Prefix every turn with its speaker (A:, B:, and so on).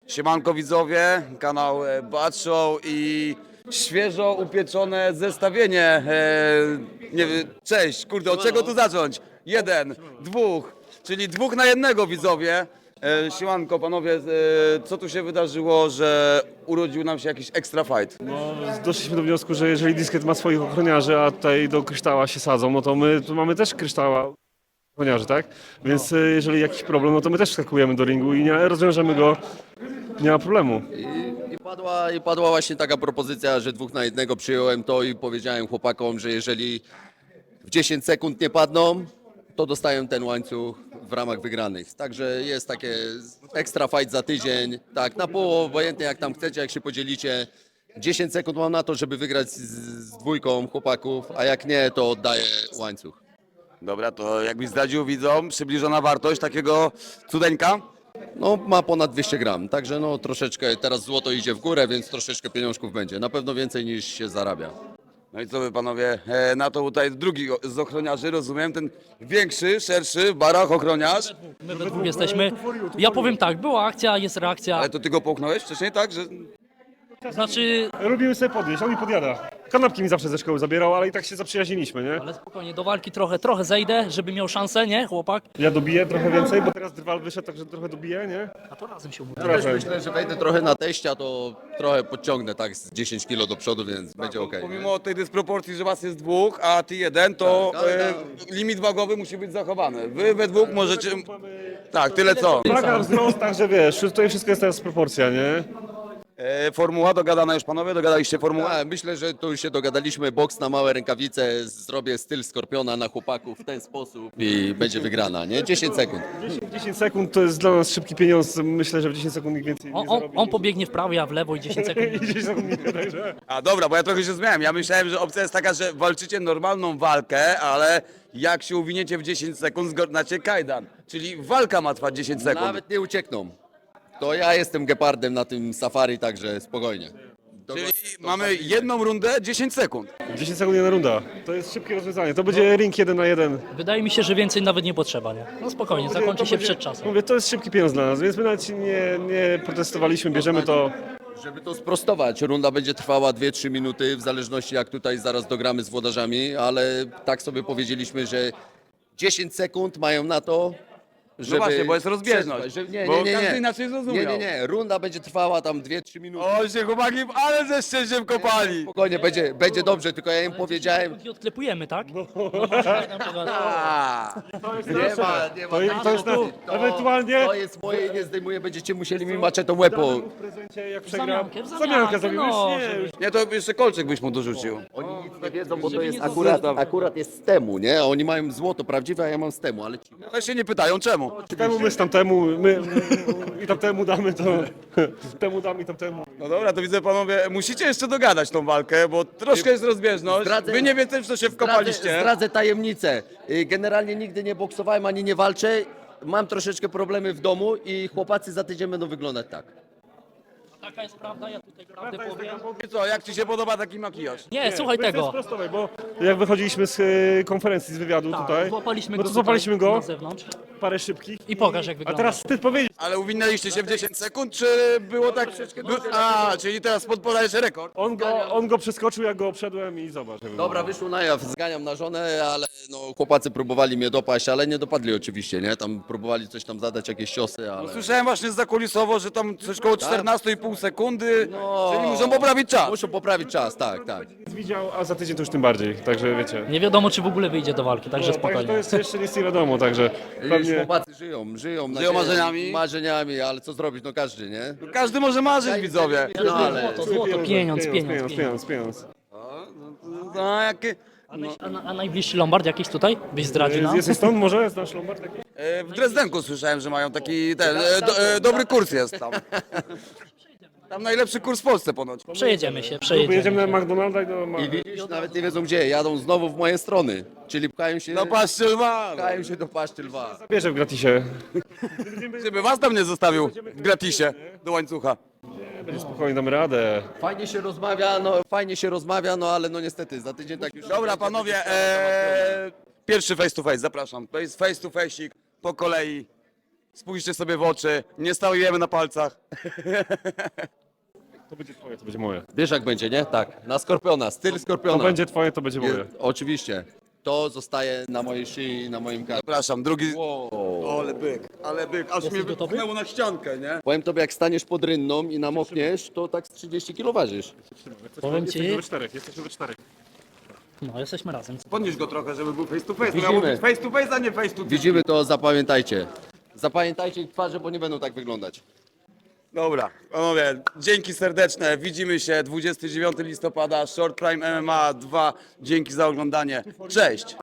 A: Siemanko widzowie, kanał Bad Show i świeżo upieczone zestawienie. Nie wiem, cześć, kurde, od czego tu zacząć? Jeden, dwóch, czyli 2 na 1 widzowie. Siemanko panowie, co tu się wydarzyło, że urodził nam się jakiś extra fight?
B: No, doszliśmy do wniosku, że jeżeli Disket ma swoich ochroniarzy, a tutaj do kryształa się sadzą, no to my tu mamy też kryształa ochroniarzy, tak? Więc jeżeli jakiś problem, no to my też wskakujemy do ringu i nie rozwiążemy go, nie ma problemu.
C: I padła właśnie taka propozycja, że 2 na 1 przyjąłem to i powiedziałem chłopakom, że jeżeli w 10 sekund nie padną, to dostają ten łańcuch w ramach wygranych. Także jest takie ekstra fight za tydzień, tak, na pół, obojętnie jak tam chcecie, jak się podzielicie. 10 sekund mam na to, żeby wygrać z dwójką chłopaków, a jak nie, to oddaję łańcuch.
A: Dobra, to jakbyś zdradził widzom przybliżona wartość takiego cudeńka?
C: No, ma ponad 200 gram, także no troszeczkę, teraz złoto idzie w górę, więc troszeczkę pieniążków będzie. Na pewno więcej niż się zarabia.
A: No i co wy panowie, na to tutaj drugi z ochroniarzy, rozumiem, ten większy, szerszy, w barach ochroniarz.
D: My we dwóch jesteśmy. Ja powiem tak, była akcja, jest reakcja.
A: Ale to ty go połknąłeś wcześniej, tak? Że...
D: Znaczy,
B: Lubimy sobie podnieść, on mi podjada. Kanapki mi zawsze ze szkoły zabierał, ale i tak się zaprzyjaźniliśmy, nie?
D: ale spokojnie, do walki trochę zejdę, żeby miał szansę, nie, chłopak?
B: Ja dobiję trochę więcej, bo teraz Drwal wyszedł, także trochę dobiję, nie?
D: A to razem się umówi.
C: Też myślę, że wejdę trochę na teścia, to trochę podciągnę tak z 10 kilo do przodu, więc będzie ok.
A: Pomimo tej dysproporcji, że was jest 2, a ty 1, to
C: Tak, ale
A: limit wagowy musi być zachowany. Wy we 2 możecie... Tak, tyle co.
B: Waga, wzrost, także wiesz, tutaj wszystko jest teraz proporcja, nie?
A: Formuła dogadana już panowie? Dogadaliście formułę?
C: Myślę, że tu się dogadaliśmy, boks na małe rękawice, zrobię styl Skorpiona na chłopaków w ten sposób i będzie wygrana, nie? 10 sekund.
B: 10 sekund to jest dla nas szybki pieniądz, myślę, że w 10 sekund nikt więcej nie zarobi.
D: On pobiegnie w prawo, ja w lewo i 10 sekund.
B: I 10 sekund nie, także...
A: A dobra, bo ja trochę się zmiałem. Ja myślałem, że opcja jest taka, że walczycie normalną walkę, ale jak się uwiniecie w 10 sekund, zgodnacie kajdan. Czyli walka ma trwać 10 sekund.
C: Nawet nie uciekną. To ja jestem gepardem na tym safari, także spokojnie.
A: Czyli mamy jedną rundę, 10 sekund.
B: 10 sekund jedna runda. To jest szybkie rozwiązanie. To będzie ring 1 na 1.
D: Wydaje mi się, że więcej nawet nie potrzeba, nie? No spokojnie, zakończy się przed czasem.
B: Mówię, to jest szybki pieniądz dla nas, więc my nawet nie protestowaliśmy, bierzemy to.
C: Żeby to sprostować, runda będzie trwała 2-3 minuty, w zależności jak tutaj zaraz dogramy z włodarzami, ale tak sobie powiedzieliśmy, że 10 sekund mają na to, żeby...
A: No właśnie, bo jest rozbieżność.
C: przetrwać, że-
A: Bo każdy inaczej zrozumiał.
C: Nie, runda będzie trwała tam 2-3 minuty.
A: O, się chłopaki, ale ze szczęściem kopali.
C: Spokojnie, będzie dobrze, tylko ja im powiedziałem,
D: I odklepujemy, tak? No,
A: A,
C: nie ma.
B: To jest ewentualnie...
C: To jest moje i nie zdejmuję, będziecie musieli mi maczetą łeb po...
B: W prezencie, jak przegra...
D: Zamiankę,
B: Zamiankę zrobimy,
D: no,
B: już nie, już.
A: nie, to jeszcze kolczyk byś mu dorzucił.
C: Oni nic nie wiedzą, bo to
D: Żeby
C: jest
D: nie
C: akurat jest z temu, nie? Oni mają złoto prawdziwe, a ja mam z temu, ale ci...
A: Ale się nie pytają czemu.
B: Temu my z tamtemu, my i tamtemu damy to... Temu damy i tamtemu.
A: No dobra, to widzę panowie, musicie jeszcze dogadać tą walkę, bo troszkę jest rozbieżność.
C: Zdradzę-
A: Wy nie wiecie, w co się wkopaliście.
C: Zdradzę tajemnicę. Generalnie nigdy nie boksowałem, ani nie walczę. Mam troszeczkę problemy w domu i chłopacy za tydzień będą wyglądać tak.
D: Taka jest prawda, ja tutaj prawdę powiem.
A: I co, jak ci się podoba taki makijaż?
D: Nie, słuchaj
B: To jest
D: tego.
B: prostowe, bo jak wychodziliśmy z konferencji, z wywiadu
D: Tak,
B: tutaj,
D: złapaliśmy
B: no
D: go
B: to złapaliśmy
D: tutaj
B: go,
D: na zewnątrz.
B: parę szybkich.
D: I pokaż, jak
B: A
D: wygląda.
B: teraz ty powiedzieć,
A: Ale uwinęliście się w 10 sekund, czy było tak... A, czyli teraz podpodajesz rekord.
B: on go przeskoczył, jak go obszedłem i zobacz. jak
C: Dobra, wyszło na jaw, zganiam na żonę, ale no, chłopacy próbowali mnie dopaść, ale nie dopadli oczywiście, nie? Tam próbowali coś tam zadać, jakieś ciosy, ale...
A: Słyszałem właśnie zakulisowo, że tam coś koło 14,5 sekundy,
C: No.
A: czyli muszą poprawić czas.
C: Muszą poprawić czas, tak, tak.
B: wygląda. Widział, a za tydzień to już tym bardziej, także wiecie.
D: Nie wiadomo, czy w ogóle wyjdzie do walki, także
B: Także to
D: spokojnie.
B: jest jeszcze nic nie wiadomo, także
C: Już
B: pewnie...
C: chłopacy żyją nadzieją,
A: marzeniami?
C: Marzeniami, ale co zrobić, no każdy, nie?
A: Każdy może marzyć, widzowie.
C: No ale...
D: Złoto, pieniądz.
A: No, jakie...
D: A najbliższy Lombard jakiś tutaj? Byś zdradził nam?
B: Jesteś stąd może? Znasz Lombard taki?
A: W Dresdenku słyszałem, że mają taki dobry kurs jest tam. Tam najlepszy kurs w Polsce ponoć.
D: Przejedziemy się,
B: Jedziemy
D: przejedziemy
B: na
D: się.
B: McDonalda i do...
C: I widzisz, nawet nie wiedzą gdzie, jadą znowu w moje strony, czyli pchają się,
A: No patrzcie, lwa.
C: pchają się do paszczy lwa.
B: Zabierze w gratisie.
A: Żeby was tam nie zostawił w gratisie do łańcucha.
B: Będzie spokojnie, damy radę.
C: Fajnie się rozmawia, no ale no niestety, za tydzień tak już...
A: Dobra, panowie, pierwszy face to face, zapraszam. Face to face'ik po kolei. spójrzcie sobie w oczy, nie stałujemy na palcach.
B: To będzie twoje, to będzie moje.
C: Wiesz jak będzie, nie? Tak, na Skorpiona, styl Skorpiona.
B: To będzie twoje, to będzie moje.
C: Oczywiście. To zostaje na mojej szyi i na moim karku.
A: Przepraszam, drugi...
C: Wow.
A: Ale byk, aż mnie
D: gotowy?
A: wypchnęło na ściankę, nie?
C: Powiem tobie, jak staniesz pod rynną i namokniesz, to tak z 30 kg ważysz.
D: Powiem
B: Jesteśmy
D: ci,
B: we czterech, jesteśmy we czterech.
D: no jesteśmy razem.
A: Podnieś go trochę, żeby był face to face.
C: Widzimy.
A: Miało być face to face, a nie face to
C: Widzimy to, zapamiętajcie. Zapamiętajcie ich twarze, bo nie będą tak wyglądać.
A: Dobra, panowie, dzięki serdeczne. Widzimy się 29 listopada, Short Prime MMA 2. Dzięki za oglądanie. Cześć!